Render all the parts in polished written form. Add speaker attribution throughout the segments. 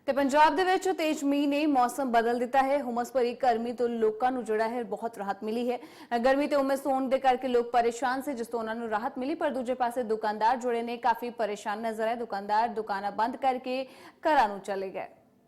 Speaker 1: ਤੇ ਪੰਜਾਬ ਦੇ ਵਿੱਚ ਤੇਜ਼ ਮੀਂਹ ਨੇ ਮੌਸਮ ਬਦਲ ਦਿੱਤਾ ਹੈ। ਹੁਮਸ ਭਰੀ ਗਰਮੀ ਤੋਂ ਲੋਕਾਂ ਨੂੰ ਜਿਹੜਾ ਹੈ ਬਹੁਤ ਰਾਹਤ ਮਿਲੀ ਹੈ। ਗਰਮੀ ਤੇ ਉਮਸ ਹੋਣ ਦੇ ਕਰਕੇ ਲੋਕ ਪਰੇਸ਼ਾਨ ਸੀ, ਜਿਸ ਤੋਂ ਉਹਨਾਂ ਨੂੰ ਰਾਹਤ ਮਿਲੀ। ਪਰ ਦੂਜੇ ਪਾਸੇ ਦੁਕਾਨਦਾਰ ਜੁੜੇ ਨੇ ਕਾਫੀ ਪਰੇਸ਼ਾਨ ਨਜ਼ਰ ਆਏ। ਦੁਕਾਨਦਾਰ ਦੁਕਾਨਾਂ ਬੰਦ ਕਰਕੇ ਘਰਾਂ ਨੂੰ ਚਲੇ ਗਏ।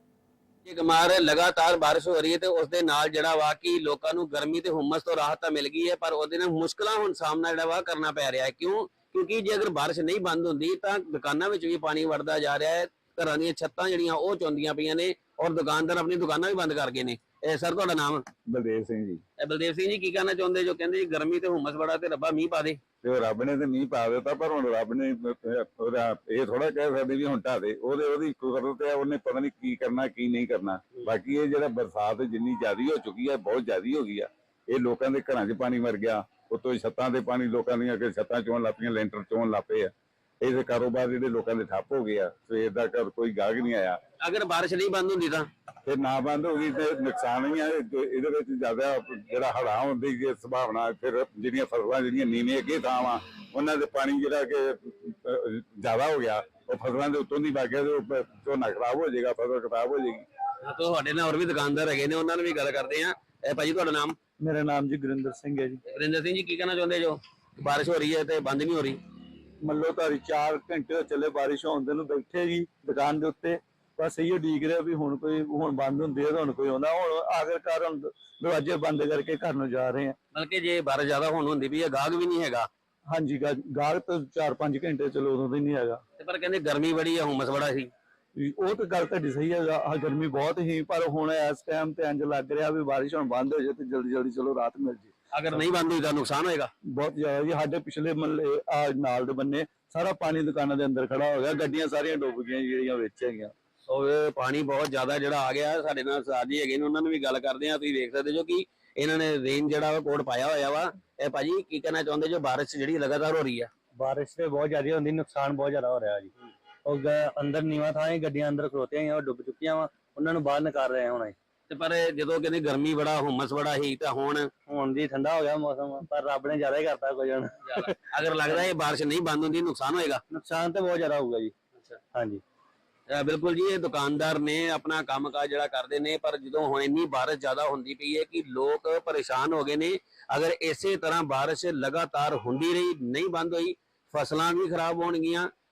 Speaker 2: लगातार बारिश हो रही है तो उसके नाल जिहड़ा वा कि लोकां नूं गर्मी ते हुम्मस तो राहत तो मिल गई है, पर उसदे नाल मुश्किलां हुण सामना जिहड़ा वा करना पै रहा है। क्यों? क्योंकि जे अगर बारिश नहीं बंद हुंदी तां दुकानां विच भी पानी वड़दा जा रहा है, घरां दीयां छत्तां जिहड़ियां ओह चौंदियां पईयां ने और दुकानदार अपनी दुकानां भी बंद कर गए ने। सर तुहाडा नाम?
Speaker 3: बलदेव सिंह जी।
Speaker 2: बलदेव सिंह जी की कहना चाहुंदे जो कहंदे जी गर्मी ते हुम्मस बड़ा ते रब्बा मींह पा दे?
Speaker 3: ਤੇ ਰੱਬ ਨੇ ਤੇ ਮੀਂਹ ਪਾ ਦਿੱਤਾ, ਪਰ ਹੁਣ ਰੱਬ ਨੇ ਉਹਦਾ ਇਹ ਥੋੜਾ ਕਹਿ ਸਕਦੇ ਵੀ ਹੁਣ ਢਾ ਦੇ। ਉਹਦੀ ਕੁਦਰਤ ਹੈ, ਉਹਨੇ ਪਤਾ ਨਹੀਂ ਕੀ ਕਰਨਾ ਕੀ ਨਹੀਂ ਕਰਨਾ। ਬਾਕੀ ਇਹ ਜਿਹੜਾ ਬਰਸਾਤ ਜਿੰਨੀ ਜ਼ਿਆਦੀ ਹੋ ਚੁੱਕੀ ਹੈ, ਬਹੁਤ ਜ਼ਿਆਦੀ ਹੋ ਗਈ ਆ। ਇਹ ਲੋਕਾਂ ਦੇ ਘਰਾਂ 'ਚ ਪਾਣੀ ਵੜ ਗਿਆ, ਉੱਤੋਂ ਛੱਤਾਂ ਤੇ ਪਾਣੀ, ਲੋਕਾਂ ਦੀਆਂ ਛੱਤਾਂ ਚੋਣ ਲੱਗ ਪਈਆਂ, ਲੈਂਟਰ ਚੋਣ ਲੱਗ ਪਏ ਆ। ਇਹਦੇ ਕਾਰੋਬਾਰ ਜਿਹੜੇ ਲੋਕਾਂ ਦੇ ਠੱਪ ਹੋ ਗਏ ਆ। ਸਵੇਰ ਦਾ ਘਰ ਕੋਈ ਗਾਹਕ ਨਹੀਂ ਆਇਆ।
Speaker 2: अगर बारिश नहीं बंद हुंदी तां
Speaker 3: ਫਿਰ ਨਾ ਬੰਦ ਹੋ ਗਈ ਤੇ ਨੁਕਸਾਨ ਹੀ ਆ। ਇਹਦੇ ਵਿੱਚ ਜ਼ਿਆਦਾ ਜਿਹੜਾ ਹੜ੍ਹਾਂ ਹੋਣ ਦੀ ਸੰਭਾਵਨਾ, ਫਿਰ ਜਿਹੜੀਆਂ ਫਸਲਾਂ ਜਿਹੜੀਆਂ ਨੀਵੇਂ ਅੱਗੇ ਥਾਂ ਵਾ, ਉਹਨਾਂ ਦੇ ਪਾਣੀ ਜਿਹੜਾ ਕਿ ਜ਼ਿਆਦਾ ਹੋ ਗਿਆ, ਉਹ ਫਸਲਾਂ ਦੇ ਉੱਤੋਂ ਦੀ ਵਗ ਗਿਆ ਤੇ ਝੋਨਾ ਖਰਾਬ ਹੋ ਜਾਏਗਾ, ਫਸਲ ਖਰਾਬ ਹੋ ਜਾਏਗੀ।
Speaker 2: ਤੁਹਾਡੇ ਨਾਲ ਹੋਰ ਵੀ ਦੁਕਾਨਦਾਰ ਹੈਗੇ ਨੇ, ਉਹਨਾਂ ਨਾਲ ਵੀ ਗੱਲ ਕਰਦੇ ਆ। ਭਾਜੀ ਤੁਹਾਡਾ ਨਾਮ?
Speaker 4: मेरा नाम जी गुरिंदर सिंह है जी।
Speaker 2: ਵਰਿੰਦਰ ਸਿੰਘ ਜੀ ਕੀ ਕਹਿਣਾ ਚਾਹੁੰਦੇ ਜੋ ਬਾਰਿਸ਼ ਹੋ ਰਹੀ ਹੈ ਤੇ ਬੰਦ ਨਹੀਂ ਹੋ ਰਹੀ?
Speaker 4: मल्लो धारी 4 घंटे चले बारिश होने ਨੂੰ बैठे जी दुकान ਦੇ ਉੱਤੇ। बस ਇਹੋ ਡੀਕ ਰਿਹਾ ਵੀ ਹੁਣ ਕੋਈ ਹੁਣ ਬੰਦ ਹੁੰਦੀ ਹੈ, ਹੁਣ ਕੋਈ ਆਉਂਦਾ। ਹੁਣ ਆਖਿਰਕਾਰ ਹੁਣ ਦਰਵਾਜ਼ੇ ਬੰਦ ਕਰਕੇ ਘਰ ਨੂੰ ਜਾ ਰਹੇ ਆ।
Speaker 2: ਬਲਕਿ ਜੇ ਬਾਰਿਸ਼ ਜ਼ਿਆਦਾ ਹੋਣ ਵੀ ਹੈ, ਗਾਹਕ ਵੀ ਨਹੀਂ ਹੈਗਾ।
Speaker 4: ਹਾਂਜੀ ਗਾਹਕ ਤਾਂ 4-5 ਘੰਟੇ ਚਲੋ ਉਦੋਂ ਵੀ ਨਹੀਂ ਹੈਗਾ।
Speaker 2: ਤੇ ਪਰ ਕਹਿੰਦੇ ਗਰਮੀ ਬੜੀ ਹੈ, ਹੁਮਸ ਬੜਾ ਸੀ।
Speaker 4: ਉਹ ਤਾਂ ਗੱਲ ਤੁਹਾਡੀ ਸਹੀ ਹੈ, ਗਰਮੀ ਬਹੁਤ ਹੀ। ਪਰ ਹੁਣ ਇਸ ਟਾਈਮ ਤੇ ਇੰਜ ਲੱਗ ਰਿਹਾ ਵੀ ਬਾਰਿਸ਼ ਹੁਣ ਬੰਦ ਹੋ ਜਾਏ ਤੇ ਜਲਦੀ ਜਲਦੀ ਚਲੋ ਰਾਤ ਮਿਲ ਜੇ।
Speaker 2: ਅਗਰ ਨਹੀਂ ਬੰਦ ਹੋਈ ਤਾਂ ਨੁਕਸਾਨ ਹੋਏਗਾ
Speaker 4: ਬਹੁਤ ਜ਼ਿਆਦਾ ਜੀ। ਸਾਡੇ ਪਿਛਲੇ ਮਹੱਲੇ ਨਾਲ ਦੇ ਬੰਨੇ ਸਾਰਾ ਪਾਣੀ ਦੁਕਾਨਾਂ ਦੇ ਅੰਦਰ ਖੜਾ ਹੋ ਗਿਆ, ਗੱਡੀਆਂ ਸਾਰੀਆਂ ਡੁੱਬ ਗਈਆਂ ਜਿਹੜੀਆਂ ਵਿੱਚ ਹੈਗੀਆਂ।
Speaker 2: ਉਹ ਪਾਣੀ ਬਹੁਤ ਜ਼ਿਆਦਾ ਜਿਹੜਾ ਆ ਗਿਆ। ਸਾਡੇ ਨਾਲ ਸਾਜੀ ਹੈਗੇ ਨੇ, ਉਹਨਾਂ ਨੂੰ ਵੀ ਗੱਲ ਕਰਦੇ ਆ। ਤੁਸੀਂ ਦੇਖ ਸਕਦੇ ਜੋ ਕਿ ਇਹਨਾਂ ਨੇ ਰੇਨ ਜਿਹੜਾ ਵਾ ਕੋਡ ਪਾਇਆ ਹੋਇਆ ਵਾ। ਇਹ ਭਾਜੀ ਕੀ ਕਹਿਣਾ ਚਾਹੁੰਦੇ ਜੋ ਬਾਰਿਸ਼ ਜਿਹੜੀ ਲਗਾਤਾਰ ਹੋ ਰਹੀ ਆ?
Speaker 4: ਬਾਰਿਸ਼ ਤੇ ਬਹੁਤ ਜ਼ਿਆਦਾ ਹੁੰਦੀ, ਨੁਕਸਾਨ ਬਹੁਤ ਜ਼ਿਆਦਾ ਹੋ ਰਿਹਾ ਜੀ। ਉਹ ਅੰਦਰ ਨੀਵਾਂ ਥਾਂ ਹੈ, ਗੱਡੀਆਂ ਅੰਦਰ ਖਲੋਤੀਆਂ ਹੋਈਆਂ, ਉਹ ਡੁੱਬ ਚੁੱਕੀਆਂ ਵਾ, ਉਹਨਾਂ ਨੂੰ ਬਾਹਰ ਨਿਕਾਲ ਰਹੇ ਹੁਣ।
Speaker 2: ਤੇ ਪਰ ਜਦੋਂ ਕਹਿੰਦੇ ਗਰਮੀ ਬੜਾ ਹੁਮਸ ਬੜਾ ਹੀ, ਤਾਂ
Speaker 4: ਹੁਣ ਜੀ ਠੰਡਾ ਹੋ ਗਿਆ ਮੌਸਮ, ਪਰ ਰੱਬ ਨੇ ਜ਼ਿਆਦਾ ਹੀ ਕਰਤਾ ਕੁਝ। ਹੁਣ
Speaker 2: ਅਗਰ ਲੱਗਦਾ ਇਹ ਬਾਰਿਸ਼ ਨਹੀਂ ਬੰਦ ਹੁੰਦੀ ਨੁਕਸਾਨ ਹੋਏਗਾ?
Speaker 4: ਨੁਕਸਾਨ ਤੇ ਬਹੁਤ ਜ਼ਿਆਦਾ ਹੋਊਗਾ ਜੀ। ਹਾਂਜੀ
Speaker 2: ਬਿਲਕੁਲ ਜੀ। ਇਹ ਦੁਕਾਨਦਾਰ ਨੇ ਆਪਣਾ ਕੰਮਕਾਜ ਜਿਹੜਾ ਕਰਦੇ ਨੇ, ਪਰ ਜਦੋਂ ਹੁਣ ਇੰਨੀ ਬਾਰਿਸ਼ ਜ਼ਿਆਦਾ ਹੁੰਦੀ ਪਈ ਹੈ ਕਿ ਲੋਕ ਪਰੇਸ਼ਾਨ ਹੋ ਗਏ ਨੇ। ਅਗਰ ਇਸੇ ਤਰ੍ਹਾਂ ਬਾਰਿਸ਼ ਲਗਾਤਾਰ ਹੁੰਦੀ ਰਹੀ, ਨਹੀਂ ਬੰਦ ਹੋਈ, ਫਸਲਾਂ ਵੀ ਖਰਾਬ ਹੋਣਗੀਆਂ